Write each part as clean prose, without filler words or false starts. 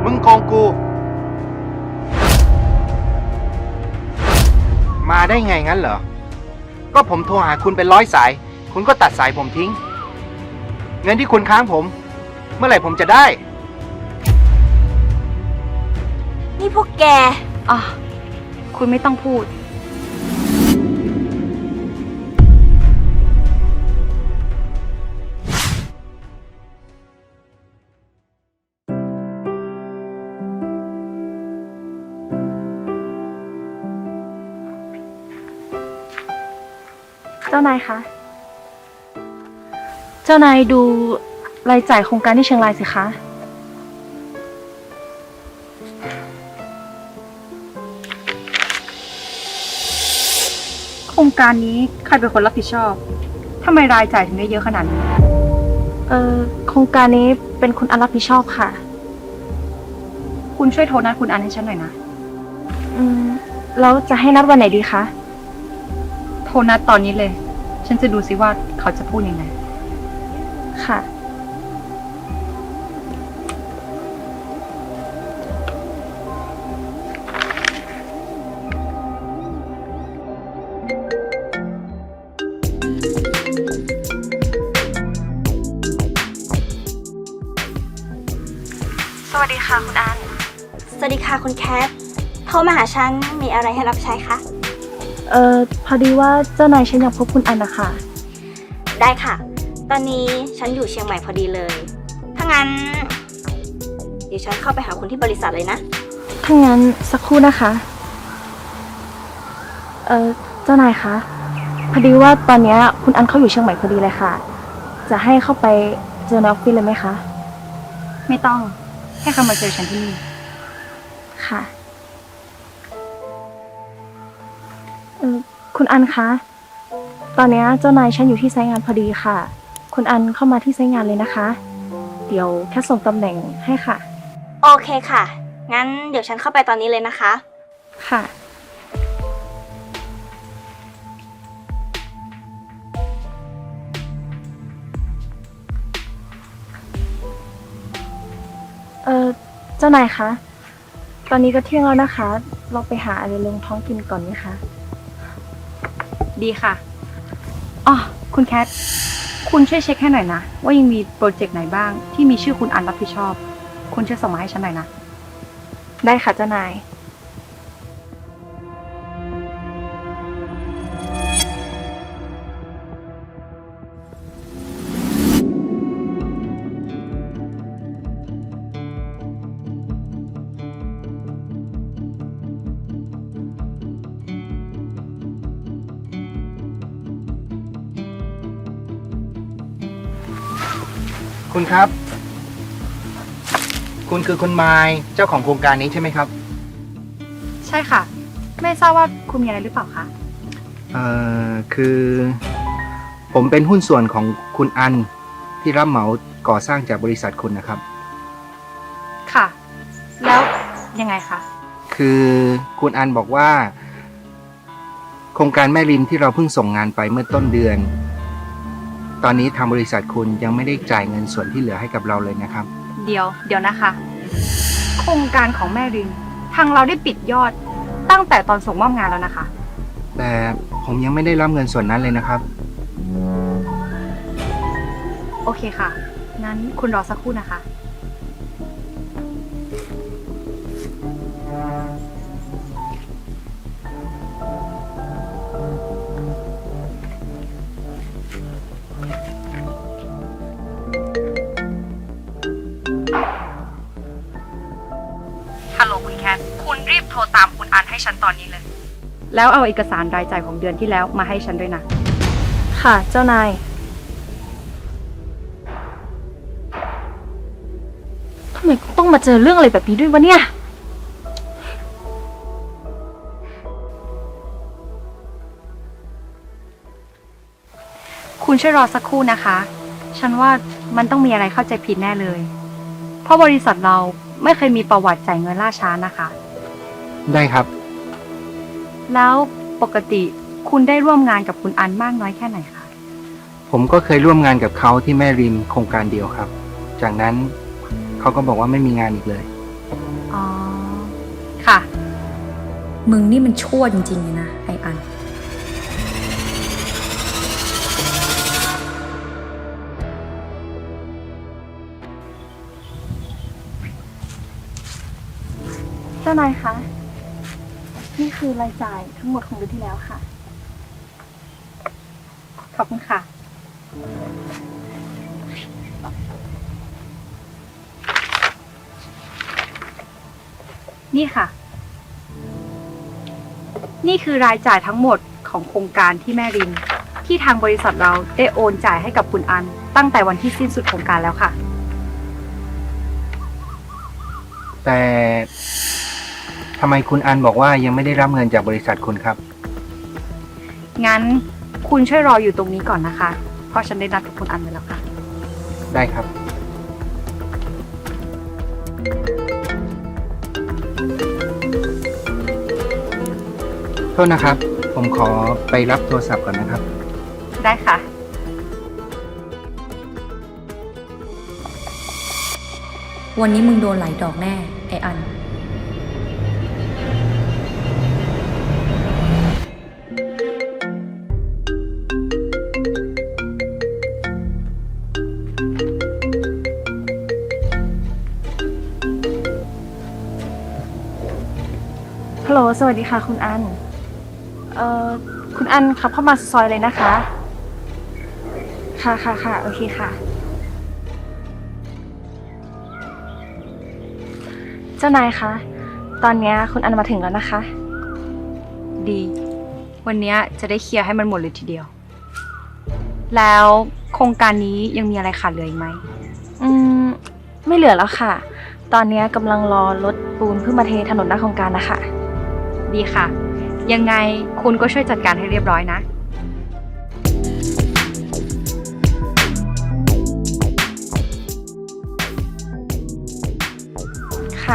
มึงโกงกู มาได้ไงงั้นเหรอ ก็ผมโทรหาคุณเป็น100 สาย คุณก็ตัดสายผมทิ้ง เงินที่คุณค้างผม เมื่อไหร่ผมจะได้นี่พวกแกอ๋อคุณไม่ต้องพูดเจ้านายคะ เจ้านายดูรายจ่ายโครงการที่เชียงรายสิคะ โครงการนี้ใครเป็นคนรับผิดชอบ ทำไมรายจ่ายถึงได้เยอะขนาดนี้ โครงการนี้เป็นคุณอันรับผิดชอบค่ะ คุณช่วยโทรนัดคุณอันให้ฉันหน่อยนะ แล้วจะให้นัดวันไหนดีคะ โทรนัดตอนนี้เลย ฉันจะดูซิว่าเขาจะพูดยังไง ค่ะ สวัสดีค่ะคุณอันสวัสดีค่ะคุณแคท โทรมาหาฉันมีอะไรให้รับใช้คะพอดีว่าเจ้านายฉันอยากพบคุณอันนะคะได้ค่ะ ตอนนี้ฉันอยู่เชียงใหม่พอดีเลย ถ้างั้น เดี๋ยวฉันเข้าไปหาคุณที่บริษัทเลยนะถ้างั้นสักครู่นะคะ เจ้านายคะ พอดีว่าตอนนี้คุณอันเขาอยู่เชียงใหม่พอดีเลยค่ะ จะให้เข้าไปเจอในออฟฟิศเลยไหมคะ ไม่ต้อง ให้เขามาเจอฉันที่นี่ ค่ะ คุณอันคะ ตอนนี้เจ้านายฉันอยู่ที่ไซต์งานพอดีค่ะ คุณอันเข้ามาที่ไซต์งานเลยนะคะ เดี๋ยวแค่ส่งตำแหน่งให้ค่ะโอเคค่ะ งั้นเดี๋ยวฉันเข้าไปตอนนี้เลยนะคะค่ะ เจ้านายคะ ตอนนี้ก็เที่ยงแล้วนะคะ เราไปหาอะไรลงท้องกินก่อนไหมคะ ดีค่ะ อ๋อ คุณแคท คุณช่วยเช็คให้หน่อยนะ ว่ายังมีโปรเจกต์ไหนบ้างที่มีชื่อคุณอันรับผิดชอบ คุณช่วยส่งมาให้ฉันหน่อยนะ ได้ค่ะเจ้านายคุณครับ คุณคือคุณไมล์เจ้าของโครงการนี้ใช่ไหมครับใช่ค่ะ ไม่ทราบว่าคุณมีอะไรหรือเปล่าคะคือ ผมเป็นหุ้นส่วนของคุณอันที่รับเหมาก่อสร้างจากบริษัทคุณนะครับค่ะ แล้วยังไงคะคือคุณอันบอกว่า โครงการแม่ริมที่เราเพิ่งส่งงานไปเมื่อต้นเดือน ตอนนี้ทางบริษัทคุณยังไม่ได้จ่ายเงินส่วนที่เหลือให้กับเราเลยนะครับเดี๋ยวนะคะ โครงการของแม่ริมทางเราได้ปิดยอดตั้งแต่ตอนส่งมอบงานแล้วนะคะแต่ผมยังไม่ได้รับเงินส่วนนั้นเลยนะครับโอเคค่ะ งั้นคุณรอสักครู่นะคะ ฮัลโหลคุณแคท คุณรีบโทรตามคุณอันให้ฉันตอนนี้เลย แล้วเอาเอกสารรายจ่ายของเดือนที่แล้วมาให้ฉันด้วยนะ ค่ะ เจ้านาย ทำไมต้องมาเจอเรื่องอะไรแบบนี้ด้วยวะเนี่ย คุณช่วยรอสักครู่นะคะ ฉันว่ามันต้องมีอะไรเข้าใจผิดแน่เลย เพราะบริษัทเราไม่เคยมีประวัติจ่ายเงินล่าช้านะคะได้ครับแล้วปกติคุณได้ร่วมงานกับคุณอันมากน้อยแค่ไหนคะผมก็เคยร่วมงานกับเขาที่แม่ริมโครงการเดียวครับ จากนั้นเขาก็บอกว่าไม่มีงานอีกเลยค่ะมึงนี่มันชั่วจริงๆเลยนะไออันเจ้านายคะ นี่คือรายจ่ายทั้งหมดของเดือนที่แล้วค่ะ ขอบคุณค่ะ นี่ค่ะ นี่คือรายจ่ายทั้งหมดของโครงการที่แม่ริน ที่ทางบริษัทเราได้โอนจ่ายให้กับคุณอัน ตั้งแต่วันที่สิ้นสุดโครงการแล้วค่ะแต่ทำไมคุณอันบอกว่ายังไม่ได้รับเงินจากบริษัทคุณครับงั้นคุณช่วยรออยู่ตรงนี้ก่อนนะคะ เพราะฉันได้นัดกับคุณอันไว้แล้วค่ะได้ครับ โทษนะครับ ผมขอไปรับโทรศัพท์ก่อนนะครับได้ค่ะวันนี้มึงโดนหลายดอกแน่ไออันฮัลโหล สวัสดีค่ะคุณอัน คุณอันขับเข้ามาซอยเลยนะคะ ค่ะค่ะค่ะโอเคค่ะ เจ้านายคะ ตอนนี้คุณอันมาถึงแล้วนะคะ ดี วันนี้จะได้เคลียร์ให้มันหมดเลยทีเดียว แล้วโครงการนี้ยังมีอะไรขาดเหลืออีกไหม ไม่เหลือแล้วค่ะ ตอนนี้กำลังรอรถปูนเพื่อมาเทถนนหน้าโครงการนะคะ ดีค่ะ ยังไงคุณก็ช่วยจัดการให้เรียบร้อยนะ ค่ะ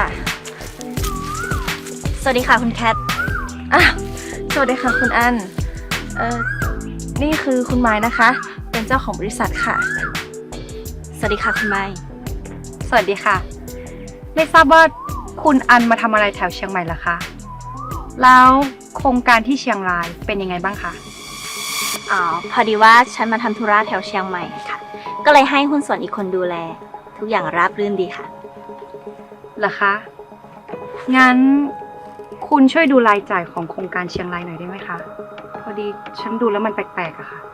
สวัสดีค่ะคุณแคทสวัสดีค่ะคุณอัน นี่คือคุณไม้นะคะ เป็นเจ้าของบริษัทค่ะสวัสดีค่ะคุณไม้สวัสดีค่ะ ไม่ทราบว่าคุณอันมาทำอะไรแถวเชียงใหม่เหรอคะ แล้วโครงการที่เชียงรายเป็นยังไงบ้างคะอ๋อ พอดีว่าฉันมาทำธุระแถวเชียงใหม่ค่ะ ก็เลยให้หุ้นส่วนอีกคนดูแล ทุกอย่างราบรื่นดีค่ะเหรอคะ งั้นคุณช่วยดูรายจ่ายของโครงการเชียงรายหน่อยได้ไหมคะ พอดีฉันดูแล้วมันแปลกๆอะค่ะ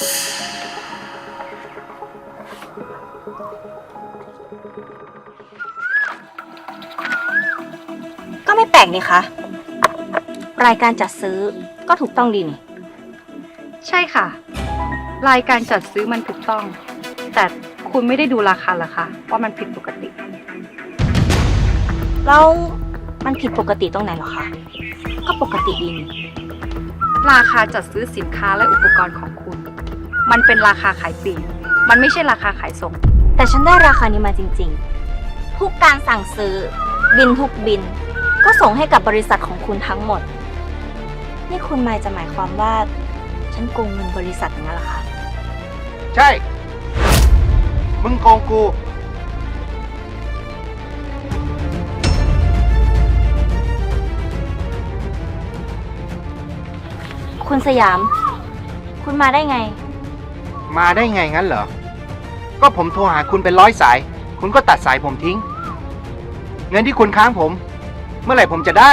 ก็ไม่แปลกนี่คะ รายการจัดซื้อก็ถูกต้องดีนี่ใช่ค่ะ รายการจัดซื้อมันถูกต้อง แต่คุณไม่ได้ดูราคาเหรอคะว่ามันผิดปกติแล้วมันผิดปกติตรงไหนเหรอคะ ก็ปกติดีนี่ราคาจัดซื้อสินค้าและอุปกรณ์ของคุณ มันเป็นราคาขายปลีก มันไม่ใช่ราคาขายส่งแต่ฉันได้ราคานี้มาจริงๆ ทุกการสั่งซื้อ บินทุกบิน ก็ส่งให้กับบริษัทของคุณทั้งหมด นี่คุณไมค์จะหมายความว่า ฉันโกงเงินบริษัทอย่างนั้นเหรอคะใช่ มึงโกงกูคุณสยาม คุณมาได้ไงมาได้ไงงั้นเหรอ ก็ผมโทรหาคุณเป็น100 สาย คุณก็ตัดสายผมทิ้ง เงินที่คุณค้างผม เมื่อไหร่ผมจะได้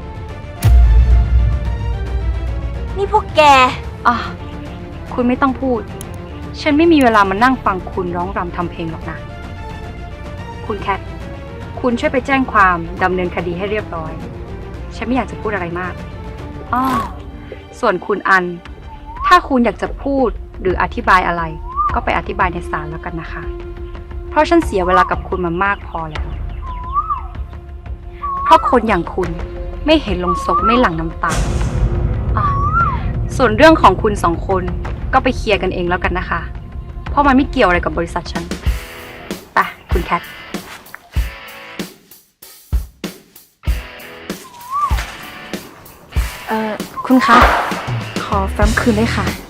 นี่พวกแกคุณไม่ต้องพูด ฉันไม่มีเวลามานั่งฟังคุณร้องรำทำเพลงหรอกนะ คุณแคท คุณช่วยไปแจ้งความดำเนินคดีให้เรียบร้อย ฉันไม่อยากจะพูดอะไรมากส่วนคุณอัน ถ้าคุณอยากจะพูดหรืออธิบายอะไร ก็ไปอธิบายในศาลแล้วกันนะคะ เพราะฉันเสียเวลากับคุณมามากพอแล้ว เพราะคนอย่างคุณไม่เห็นลงศพไม่หลั่งน้ำตา ส่วนเรื่องของคุณสองคนก็ไปเคลียร์กันเองแล้วกันนะคะ เพราะมันไม่เกี่ยวอะไรกับบริษัทฉัน ไป คุณแคท คุณคะ ขอแฟ้มคืนด้วยค่ะ